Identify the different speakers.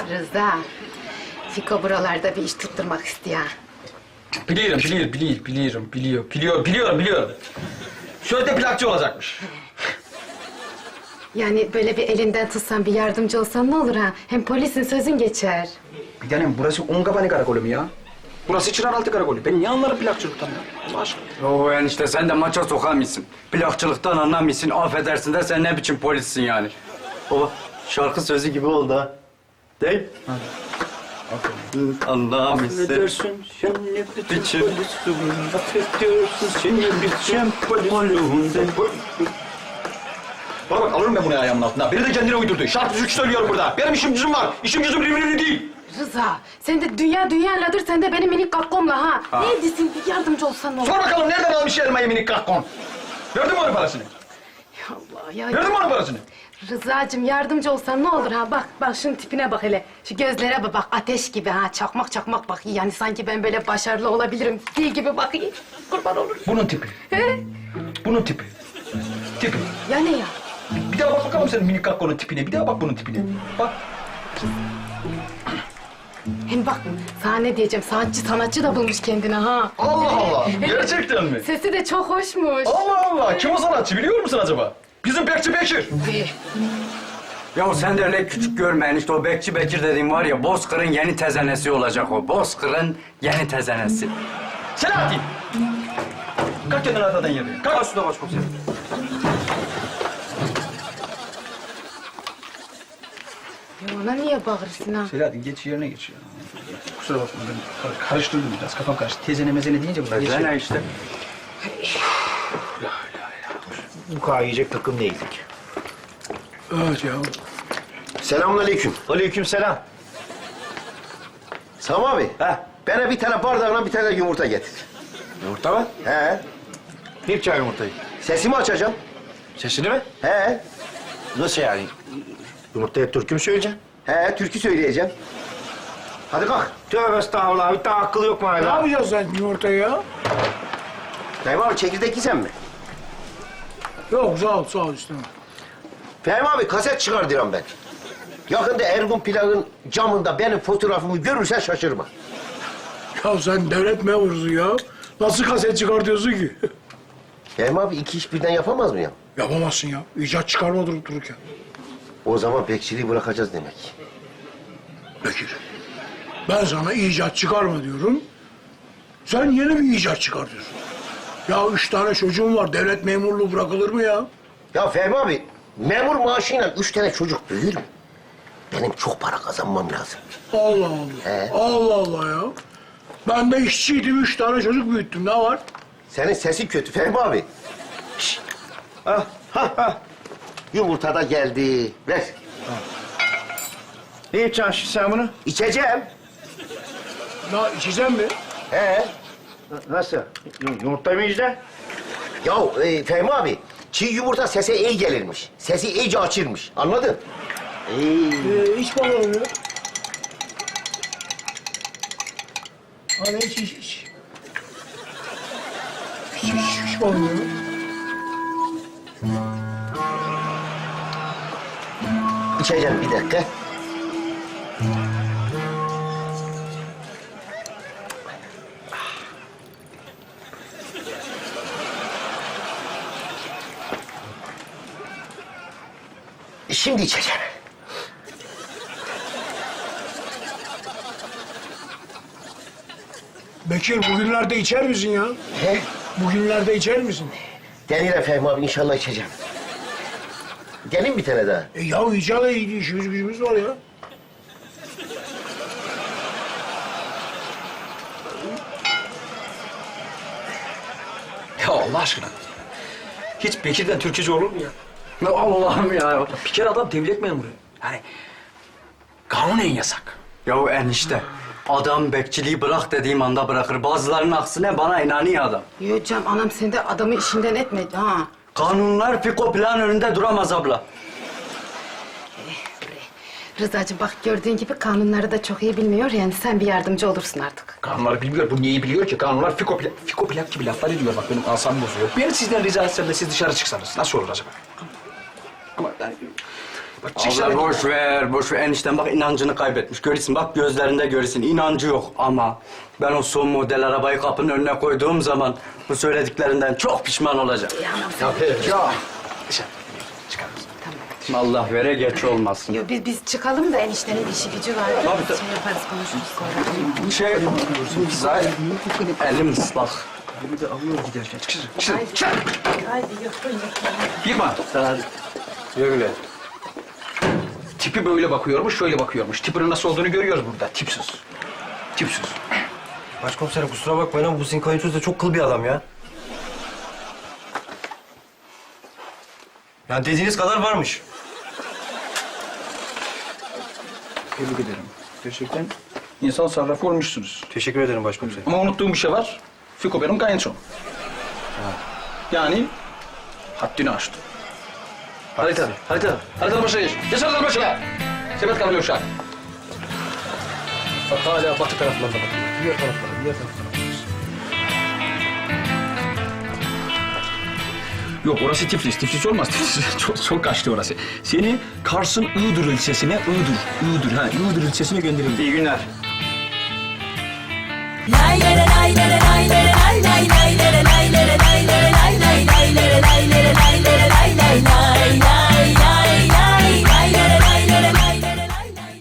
Speaker 1: Rıza, Fiko buralarda bir iş tutturmak istiyor.
Speaker 2: Biliyorum. Sözde plakçı olacakmış.
Speaker 1: Yani böyle bir elinden tutsan, bir yardımcı olsan ne olur ha? Hem polisin sözün geçer.
Speaker 2: Bir tanem burası Ungabani karakolu mu ya? Burası Çınaraltı karakolu. Ben niye anlarım plakçılıktan ya? Allah aşkına.
Speaker 3: O enişte sen de maça sokamıyorsun. Plakçılıktan anlamıyorsun. Affedersin de sen ne biçim polissin yani. O şarkı sözü gibi oldu ha. Değil mi? Anlamıyorsun.
Speaker 2: Affedersin sen ne
Speaker 3: Biçim.
Speaker 2: polissin. Affedersin sen ne biçim polissin. Bana bak alırım ben bunu ayağımın altına. Biri de kendine uydurdu. Şarkı türkü söylüyorum burada. Benim işim gücüm var. İşim gücüm birbirine değil.
Speaker 1: Rıza, sen de dünya ladır, sen de benim minik kakkomla ha. Ne ediyorsun? Bir yardımcı olsan ne olur?
Speaker 2: Sor bakalım nereden almış elmayı minik kahkon? Verdin mi onun parasını?
Speaker 1: Ya Allah ya.
Speaker 2: Verdin mi onun parasını?
Speaker 1: Rıza'cığım yardımcı olsan ne olur ha? Bak şunun tipine bak hele. Şu gözlere bak, ateş gibi ha. Çakmak bak. Yani sanki ben böyle başarılı olabilirim. Fil gibi bakayım. Kurban olurum.
Speaker 2: Bunun tipi.
Speaker 1: He?
Speaker 2: Bunun tipi. Tipi.
Speaker 1: Ya ne ya?
Speaker 2: Bir daha bak bakalım senin minik kahkonun tipine. Bir daha bak bunun tipine. Bak.
Speaker 1: Hem bak, sana ne diyeceğim? Sanatçı da bulmuş kendine ha.
Speaker 2: Allah Allah. Gerçekten mi?
Speaker 1: Sesi de çok hoşmuş.
Speaker 2: Allah Allah. Kim o sanatçı biliyor musun acaba? Bizim Bekçi Bekir.
Speaker 3: Ya sen de öyle küçük görme enişte. O Bekçi Bekir dediğin var ya, Bozkır'ın yeni tezenesi olacak o. Bozkır'ın yeni tezenesi.
Speaker 2: Selahattin. Kalk kendini atadan yere. Kalk.
Speaker 3: Üstüne başkomiserim.
Speaker 1: Ya ona niye bağırırsın ha?
Speaker 2: Selahattin geç yerine geç ya. Kusura bakma ben karıştırdım biraz. Kafam karıştı. Tezene mezene deyince bunlar geçiyor.
Speaker 3: Ne işte?
Speaker 4: Bu kadar yiyecek takım değildik.
Speaker 2: Evet ya.
Speaker 5: Selamünaleyküm.
Speaker 4: Aleykümselam.
Speaker 5: Sami abi.
Speaker 4: He.
Speaker 5: Bana bir tane bardağına bir tane yumurta getir.
Speaker 4: Yumurta mı?
Speaker 5: He.
Speaker 4: Ne yapacaksın yumurtayı?
Speaker 5: Sesimi açacağım.
Speaker 4: Sesini mi?
Speaker 5: He.
Speaker 4: Nasıl yani? Yumurtaya türkü mü söyleyeceksin?
Speaker 5: He, türkü söyleyeceğim. Hadi kalk.
Speaker 4: Tövbe estağfurullah. Bir daha akıl yok mu hala?
Speaker 6: Ne yapacağız sen yumurtayı ya?
Speaker 5: Fehmi abi çekirdek yiyeceksin mi?
Speaker 6: Yok sağ ol istemem.
Speaker 5: Fehmi abi kaset çıkar diyorum ben. Yakında Ergun Plak'ın camında benim fotoğrafımı görürsen şaşırma.
Speaker 6: Ya sen devlet memurusun ya. Nasıl kaset çıkartıyorsun ki?
Speaker 5: Fehmi abi iki iş birden yapamaz mı ya?
Speaker 6: Yapamazsın ya. İcat çıkarma durup dururken.
Speaker 5: O zaman bekçiliği bırakacağız demek.
Speaker 6: Bekir. Ben sana icat çıkarma diyorum. Sen yeni bir icat çıkartıyorsun. Ya 3 tane çocuğum var. Devlet memurluğu bırakılır mı ya?
Speaker 5: Ya Fehmi abi, memur maaşıyla 3 tane çocuk büyür mü? Benim çok para kazanmam lazım.
Speaker 6: Allah Allah.
Speaker 5: He.
Speaker 6: Allah Allah ya. Ben de işçiydim. 3 tane çocuk büyüttüm. Ne var?
Speaker 5: Senin sesin kötü Fehmi abi. Şşt. Ha. Yumurta da geldi. Ver.
Speaker 4: Ne yapacaksın şimdi sen bunu?
Speaker 5: İçeceğim.
Speaker 6: Ya içeceğim mi?
Speaker 5: He.
Speaker 4: Nasıl? Yumurtayı mı yiyeceksin?
Speaker 5: Ya Fehmi abi, çiğ yumurta sese iyi gelirmiş. Sesi iyice açırmış. Anladın?
Speaker 6: İç bakalım ya. Hadi iç. İç bakalım ya.
Speaker 5: İçeceğim bir dakika. Şimdi içeceğim.
Speaker 6: Bekir bugünlerde içer misin ya?
Speaker 5: He?
Speaker 6: Bugünlerde içer misin?
Speaker 5: Denir Fehmi abi, inşallah içeceğim. Gelin bir tane daha.
Speaker 6: Ya icada işimiz gücümüz var ya.
Speaker 2: Ya Allah aşkına. Hiç Bekir'den Türkçeci olur mu ya?
Speaker 3: Ya Allah'ım ya.
Speaker 2: Bir kere adam devlet memuru. Yani kanunen yasak.
Speaker 3: Ya enişte, adam bekçiliği bırak dediğim anda bırakır. Bazılarının aksine bana inanıyor adam.
Speaker 1: Yo canım, anam sen de adamı işinden etme ha.
Speaker 3: Kanunlar Fiko plan önünde duramaz abla.
Speaker 1: Rızacığım bak, gördüğün gibi kanunları da çok iyi bilmiyor, yani sen bir yardımcı olursun artık.
Speaker 2: Kanunları bilmiyor. Bu neyi biliyor ki? Kanunlar fiko plak gibi laflar ediyor. Bak benim asabım bozuyor. Ben sizden rica etsem de siz dışarı çıksanız. Nasıl olur acaba? Ama yani...
Speaker 3: Abla boş ver, boş ver. Enişten bak inancını kaybetmiş. Görürsün bak gözlerinde görürsün. İnancı yok ama ben o son model arabayı kapının önüne koyduğum zaman bu söylediklerinden çok pişman olacak. Ya. Allah vere geç olmasın.
Speaker 1: Yo, biz çıkalım da eniştenin işi gücü var.
Speaker 3: Tabii.
Speaker 1: Şey yaparız, konuşuruz sonra.
Speaker 3: Zaten elim ıslak.
Speaker 1: Haydi yıkın.
Speaker 2: Yıkma.
Speaker 3: Öyle.
Speaker 2: Tipi böyle bakıyormuş, şöyle bakıyormuş. Tipinin nasıl olduğunu görüyoruz burada. Tipsiz. Tipsiz.
Speaker 4: Başkomiserim kusura bakmayın ama bu sizin kayınçoz da çok kıl bir adam ya. Yani dediğiniz kadar varmış.
Speaker 2: Tebrik ederim. Gerçekten insan sarrafı olmuşsunuz.
Speaker 4: Teşekkür ederim başkomiserim.
Speaker 2: Ama unuttuğum bir şey var. Fiko benim kayınçom. Yani haddini aştı. Harita başına geç. Geç harita başına. Sepet kalıyor uşak. Bak hala batı taraflarına bakıyor. Diğer taraflara. Yok orası Tiflis. Tiflis olmaz. Tiflis çok kaçtı orası. Seni Kars'ın Iğdır ilçesine, Iğdır ilçesine gönderelim.
Speaker 3: İyi günler.
Speaker 7: Lay lay lay lay lay lay lay lay lay.